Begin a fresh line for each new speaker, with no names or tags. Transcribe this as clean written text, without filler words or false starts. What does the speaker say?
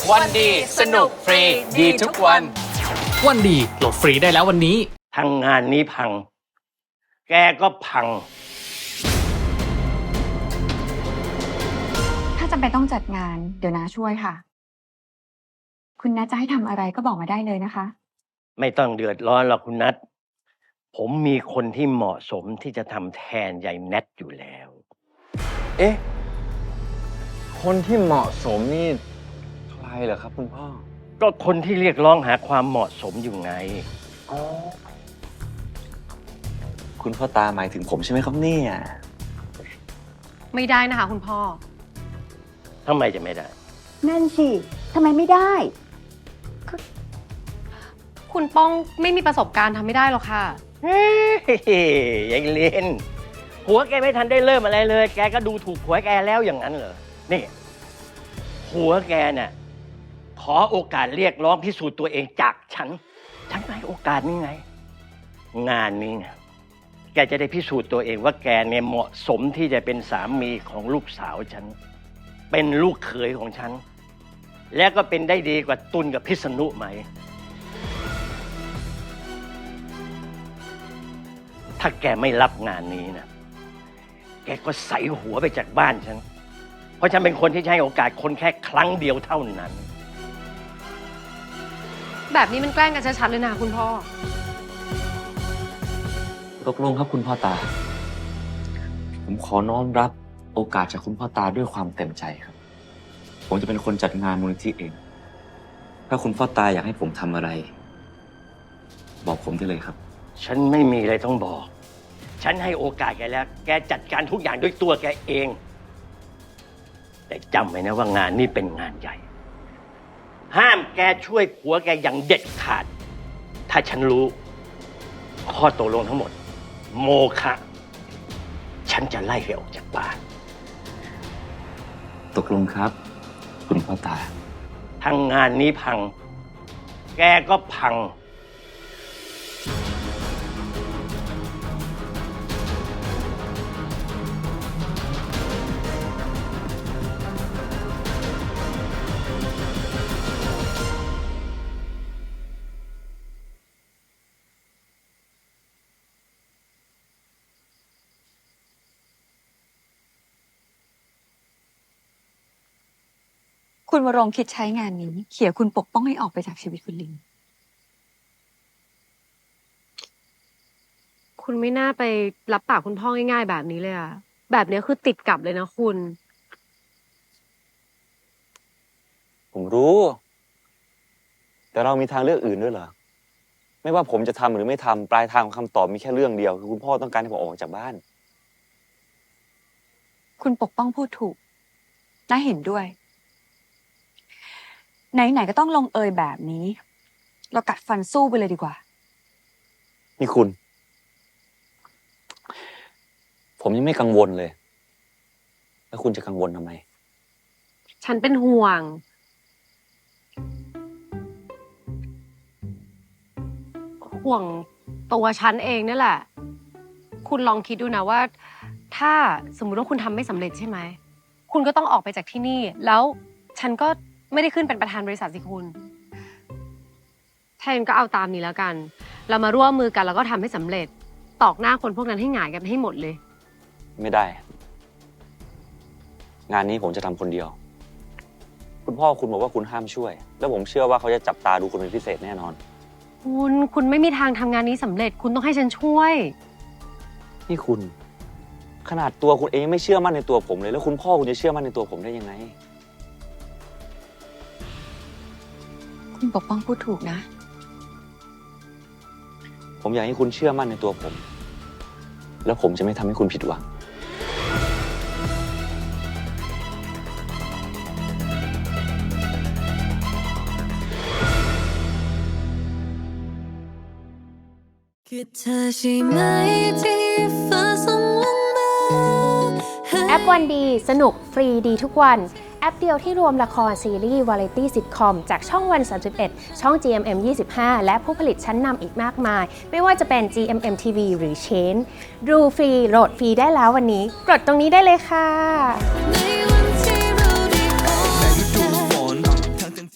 วันดีสนุกฟรีดีทุกวัน
วันดีโหลดฟรีได้แล้ววันนี้
ทางงานนี้พังแกก็พัง
ถ้าจำเป็นต้องจัดงานเดี๋ยวน้าช่วยค่ะคุณนัทจะให้ทำอะไรก็บอกมาได้เลยนะคะ
ไม่ต้องเดือดร้อนหรอกคุณนัทผมมีคนที่เหมาะสมที่จะทำแทนยายแนทอยู่แล้ว
เอ๊ะคนที่เหมาะสมนี่ใครเหรอครับคุณพ่อ
ก็คนที่เรียกร้องหาความเหมาะสมอยู่ไง
อ๋อคุณพ่อตาหมายถึงผมใช่ไหมครับเนี่ย
ไม่ได้นะคะคุณพ่อ
ทำไมจะไม่ได้
นั่นสิทำไมไม่ได้
คุณป้องไม่มีประสบการณ์ทำไม่ได้หรอกค่ะ
เฮ้ยยังเล่นผัวแกไม่ทันได้เริ่มอะไรเลยแกก็ดูถูกผัวแกแล้วอย่างนั้นเหรอนี่ผัวแกเนี่ยขอโอกาสเรียกร้องพิสูจน์ตัวเองจากฉันให้โอกาสนี่ไงงานนี้ไงแกจะได้พิสูจน์ตัวเองว่าแกเนี่ยเหมาะสมที่จะเป็นสามีของลูกสาวฉันเป็นลูกเขยของฉันและก็เป็นได้ดีกว่าตุลกับพิษณุไหมถ้าแกไม่รับงานนี้นะแกก็ใส่หัวไปจากบ้านฉันเพราะฉันเป็นคนที่ให้โอกาสคนแค่ครั้งเดียวเท่านั้น
แบบนี้มันแกล้งกันชัดๆเลยนะคุณพ่อ
ตกลงครับคุณพ่อตาผมขอน้อมรับโอกาสจากคุณพ่อตาด้วยความเต็มใจครับผมจะเป็นคนจัดงานมูลนิธิเองถ้าคุณพ่อตาอยากให้ผมทำอะไรบอกผมได้เลยครับ
ฉันไม่มีอะไรต้องบอกฉันให้โอกาสแกแล้วแกจัดการทุกอย่างด้วยตัวแกเองแต่จำไว้นะว่างานนี้เป็นงานใหญ่ห้ามแกช่วยผัวแกอย่างเด็ดขาดถ้าฉันรู้ข้อตกลงทั้งหมดโมฆะฉันจะไล่แกออกจากบ้าน
ตกลงครับคุณพ่อตา
ทั้งงานนี้พังแกก็พัง
คุณวรงค์คิดใช้งานนี้เขี่ยคุณปกป้องให้ออกไปจากชีวิตคุณลิง
คุณไม่น่าไปรับปากคุณพ่อง่ายๆแบบนี้เลยอะแบบนี้คือติดกับเลยนะคุณ
ผมรู้แต่เรามีทางเลือกอื่นด้วยเหรอไม่ว่าผมจะทำหรือไม่ทำปลายทางของคำตอบมีแค่เรื่องเดียวคือคุณพ่อต้องการให้ผมออกจากบ้าน
คุณปกป้องพูดถูกน่าเห็นด้วยไหนๆก็ต้องลงเอยแบบนี้เรากัดฟันสู้ไปเลยดีกว่า
นี่คุณผมยังไม่กังวลเลยแล้วคุณจะกังวลทำไม
ฉันเป็นห่วงตัวฉันเองนี่แหละคุณลองคิดดูนะว่าถ้าสมมุติว่าคุณทำไม่สำเร็จใช่ไหมคุณก็ต้องออกไปจากที่นี่แล้วฉันก็ไม่ได้ขึ้นเป็นประธานบริษัทสิคุณแทนก็เอาตามนี้แล้วกันเรามาร่วมมือกันแล้วก็ทำให้สำเร็จตอกหน้าคนพวกนั้นให้หงายกันให้หมดเลย
ไม่ได้งานนี้ผมจะทำคนเดียวคุณพ่อคุณบอกว่าคุณห้ามช่วยแล้วผมเชื่อว่าเขาจะจับตาดูคุณเป็นพิเศษแน่นอน
คุณไม่มีทางทำงานนี้สำเร็จคุณต้องให้ฉันช่วย
นี่คุณขนาดตัวคุณเองไม่เชื่อมั่นในตัวผมเลยแล้วคุณพ่อคุณจะเชื่อมั่นในตัวผมได้ยังไง
คุณปกป้องพูดถูกนะ
ผมอยากให้คุณเชื่อมั่นในตัวผมแล้วผมจะไม่ทำให้คุณผิดหวัง
คือเธอใช่ไหมที่ฟ้าส่งลงมา
แอปวันดีสนุกฟรีดีทุกวันแอปเดียวที่รวมละครซีรีส์วาไรตี้ซิทคอมจากช่องวัน31ช่อง GMM 25และผู้ผลิตชั้นนำอีกมากมายไม่ว่าจะเป็น GMM TV หรือ Chain ดูฟรีโหลดฟรีได้แล้ววันนี้กดตรงนี้ได้เลยค่ะ